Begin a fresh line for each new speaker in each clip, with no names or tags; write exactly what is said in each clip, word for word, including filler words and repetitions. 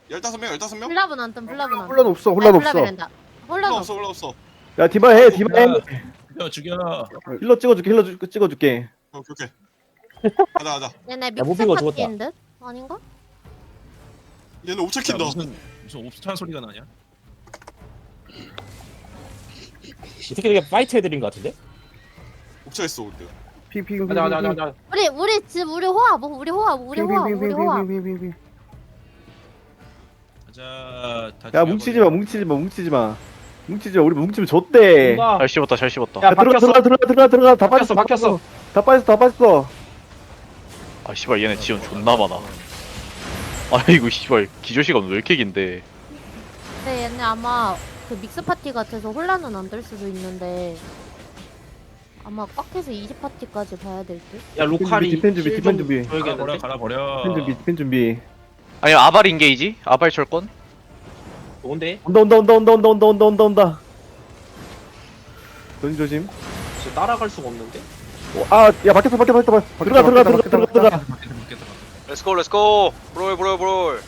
열다섯 명 열다섯 명?
블랍은 안 뜸, 블랍은 안 뜸.
혼란 없어 혼란 없어.
홀라
홀라 없어 홀라 없어.
야 디바 해 디바 해.
죽여 죽여.
힐러 찍어줄게 힐러 주- 찍어줄게.
오케이 오케이. 가자 가자.
얘네
야,
믹스
모비가 죽었다.
파티인 듯? 아닌가?
얘는 옵차
야,
킨다.
무슨 무슨 옵차 소리가 나냐?
이 새끼 되게 파이트 해드린 것 같은데?
옵차 했어 근데.
핑핑
가자 가자 가자 가자.
우리 우리 집 우리 호합 우리 호합 우리 호합 우리 호합.
핑핑핑핑핑핑핑핑.
가자. 다
야 뭉치지 마 뭉치지 마 뭉치지 마. 뭉치지 마 우리 뭉치면 졌대.
쏜다.
잘 씹었다 잘 씹었다.
야
야 들어가
박혔어.
들어가 들어가 들어가 들어가 다 빠졌어
박혔어 박혔어.
다 빠졌어 다 빠졌어.
아 씨발 얘네 지원 존나 많아. 아이고 씨발 기조 시간 왜 이렇게 긴데?
근데 얘네 아마 그 믹스 파티 같아서 혼란은 안 될 수도 있는데 아마 꽉해서 이십 파티까지 봐야 될 듯?
야 루카리.
디펜 준비, 디펜 준비.
갈아 버려
줘야겠는데?
갈아 버려.
디펜 준비 디펜 준비.
아니 아발 인게이지? 아발 철권?
좋은데?
온다 온다 온다 온다 온다 온다 온다 온다 온다. 넌 조심.
진짜 따라갈 수가 없는데?
아야 밖에서 밖에 밖에 밖에 들어가 들어가 들어가 들어가 들어가.
렛츠고 렛츠고 브롤 브롤 브롤.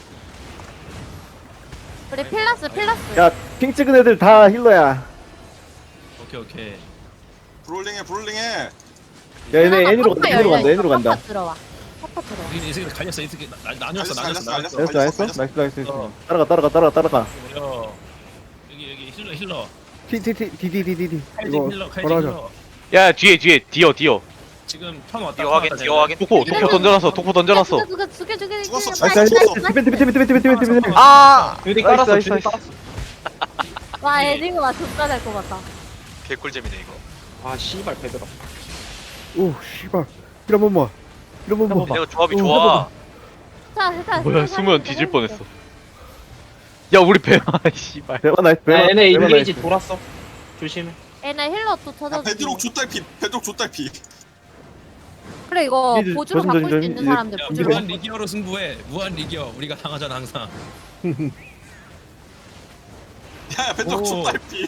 우리 필라스 필라스
야핑 찍은 애들 다 힐러야.
오케이 오케이.
브롤링해 브롤링해.
야 얘네 애니로 간다 애니로 간다 애니로 간다.
파파 들어와 파파 들어와
이 이 새끼 갈렸어 이 새끼 나- 나뉘었어
갈렸어,
나뉘었어
갈렸어,
나뉘었어.
나이스 나이스 나이스 나이스 나이스. 따라가 따라가 따라가 따라가.
버려. 여기 여기 힐러 힐러.
티티티디디디디
칼진
이거
힐러 칼진
뭐라 하자.
힐러.
야 뒤에 뒤에 디어 디어.
지금 턴 왔다.
디어
턴
확인
왔다,
디어
쟤네.
확인.
독포 독포 던져놨어 독포 던져놨어.
죽여 죽여 죽여 죽여
죽었어,
죽여.
나이스 나이스
죽었어.
디펜 디펜 디펜 디펜 디펜 디펜.
아
주디
나이스,
깔았어
나이스,
주디
나이스.
깔았어.
와 에딩 와 존나 될것 같다.
개꿀잼이네 이거.
아 씨발 베드라.
오 씨발 이런 번만 이런 번만.
얘네가 조합이
오,
좋아.
자, 자,
뭐야 수면 뒤질 뻔했어. 야 우리 배아 씨발.
대박 나이스
야
대박.
얘네
대박
인게이지
나이스.
돌았어. 조심해.
얘네 힐러 또
야
터져.
베드록 좆달피 베드록 좆달피.
그래 이거
이제
보조로
조심,
바꿀 수
조심,
있는
이제-
사람들
야,
보조로.
무한 리기어로 승부해. 무한 리기어. 우리가 당하잖아 항상.
야 베드록
오.
좆달피.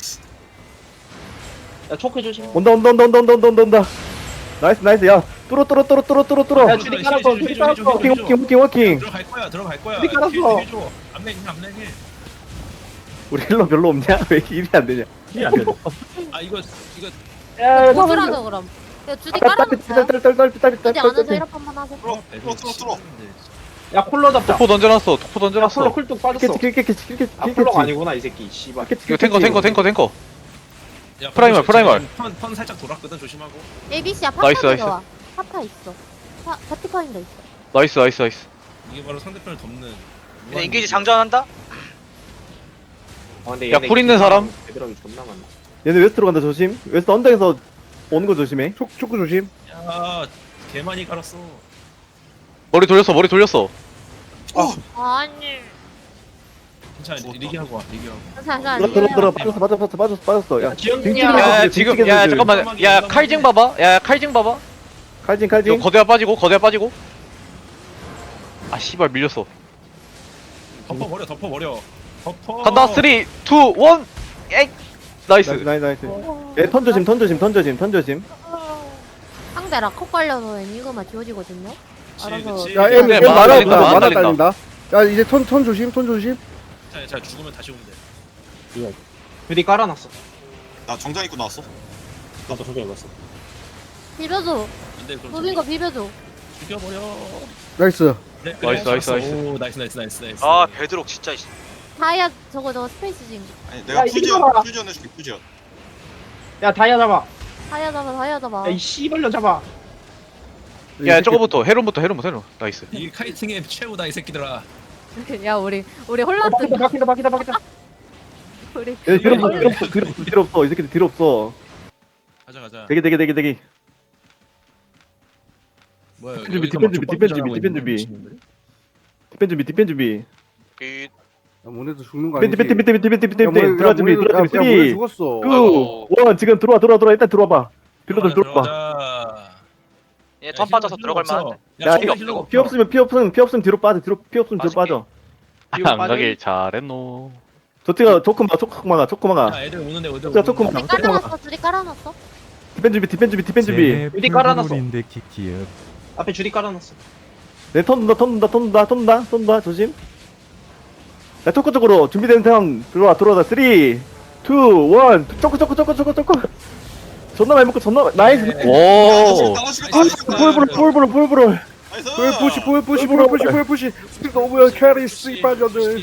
야 초크 조심.
온다 온다 온다 온다 온다 온다 온다 온다. 나이스 나이스 야 뚫어 뚫어 뚫어 뚫어 뚫어 뚫어.
야, 주디 깔았어,
힐, 힐,
주디
힐,
깔았어.
힐, 힐,
워킹
힐, 힐,
워킹 워킹 워킹.
들어갈 거야 들어갈 거야.
주디 깔았어.
힐, 힐 줘. 앞라인 힐 앞라인 힐.
우리 힐러 별로 없냐? 왜 이렇게 일이 안 되냐?
힐안 돼.
아 이거 이거
야
보조라서 그럼. 야 주디
딸
깔아놓자.
딸 딸 딸 딸
주디 안에서
딸.
힐업 한번 하세요.
뚫어 뚫어 뚫어 뚫어.
야 콜러 잡자.
독포 던져놨어 독포
야 콜러
던져놨어.
쿨뚝 빠졌어.
킬캐치 킬캐치 킬캐치
아 콜러가 아니구나 이 새끼 씨발.
이거 탱커 탱커 탱커 탱커.
야,
프라이멀, 프라이멀.
턴, 턴 살짝 돌았거든 조심하고.
에이비씨야
나이스,
파파
나이스.
들어와. 파파 있어. 파 파티파인더 있어.
나이스 나이스 나이스.
이게 바로 상대편을 덮는.
얘네 인게이지 장전한다.
아, 근데
야,
얘네
쿨 있는 사람?
베드락이 존나 많네.
얘네 웨스트로 간다 조심. 웨스트 언덕에서 오는 거 조심해. 촉 초크 조심.
야, 개 많이 갈았어.
머리 돌렸어 머리 돌렸어.
아니.
괜찮아,
죽었다.
리기하고 와, 리기하고.
자, 자,
들어 들어 들어 빠졌어 빠졌어 빠졌어 빠졌어. 야
지영이야.
야
야,
지금
징징이
야
애들.
잠깐만 야 칼징 봐봐. 야 칼징 봐봐.
칼진
이거
칼진.
거대가 빠지고 거대가 빠지고. 아 씨발 밀렸어.
덮어 버려, 덮어 버려. 덮어.
간다 쓰리, 이, 일. 에이. 나이스.
나이스 나이스 나이스. 얘턴 조심 턴 조심 턴 조심 턴 조심.
상대 라커 깔려서 애니그마 지워지거든요.
그치,
알아서.
그치.
야, 엠,
네,
엠
많아
많아
달린다,
없다.
많아
많아
달린다.
달린다. 야, 이제 턴, 턴 조심, 턴 조심.
자, 자 죽으면 다시 오면 돼.
주디 깔아놨어.
나 정장 입고 나왔어.
나도 저기 입었어.
비벼줘.
근데 그럼
노빈 거 비벼줘.
죽여버려.
나이스.
네,
나이스,
그래,
나이스, 나이스.
오, 나이스, 나이스, 나이스, 나이스.
아 베드록 진짜. 이씨.
다이아 저거 저거 스페이스 징.
아니 내가
야, 이거
퓨지언
봐라.
퓨지언 해줄게 퓨지언.
야 다이아 잡아.
다이아 잡아 다이아 잡아.
야 이 씨발년 잡아.
야 저거부터 헤론부터 헤론부터 헤론. 나이스.
이게 카이팅의 최후다 이 새끼들아.
야 우리 우리
어,
홀란드
바퀴다 바퀴다 바퀴다 바퀴다.
우리
얘 뒤로 없어, 뒤로 없어, 뒤로 없어, 뒤로 없어. 이 새끼들 뒤로 없어.
가자, 가자.
대기, 대기, 대기, 대기.
뭐야?
디펜 준비,
여기서
디펜
막
준비,
족밥
디펜 준비,
자랑하고
디펜
있는
준비.
미친놈들?
디펜 준비, 디펜 준비.
그
모네도 죽는 거
디펜,
아니지?
디펜, 디펜, 디펜, 디펜, 디펜,
야,
디펜.
모네-
들어와
야,
준비,
모네-
들어와
야,
준비.
야, 모네
쓰리,
죽었어.
투, 원. 지금 들어와, 들어와, 들어와. 일단 들어와봐. 딜러들 들어와봐.
들어가자.
얘 턴 빠져서 들어갈 만한데.
야,
야,
이거
힐러
피 없으면, 피 없으면, 피 없으면 뒤로 빠져. 뒤로, 피 없으면 뒤로
빠질게.
빠져.
안 가길 잘했노.
저티가 조금만, 조금만, 조금만.
야, 애들 오는데 애들
자,
오는데.
조금.
둘이 깔아놨어 둘이 깔아놨어.
디펜 준비, 디펜 준비, 디펜 준비.
어디 깔아놨어?
인데 키키업.
앞에 주디 깔아놨어.
내 턴 돈다, 턴 돈다, 턴 돈다, 턴 돈다, 턴 돈다. 조심. 자 초코 쪽으로 준비된 상황 들어와 들어와 삼, 이, 일 초코 초코 초코 초코 초코 존나 많이 먹고 존나 많이- 나이스
야,
오.
나눠주겠다,
볼
나눠주겠다.
불 불 불 불 불
나이스.
불 푸시 불 푸시 불 푸시 불 푸시 너무야 캐리 씨발년들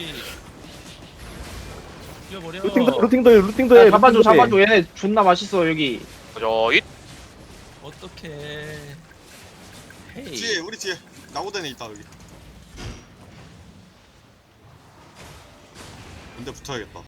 뛰어버려.
루팅도 루팅도 해 루팅도 해
야, 잡아줘
루팅도 해.
잡아줘 얘네 존나 맛있어 여기.
가자 잇.
어떡해. 헤이.
뒤에 우리 뒤에 나고대네 있다 여기. 근데 붙어야겠다.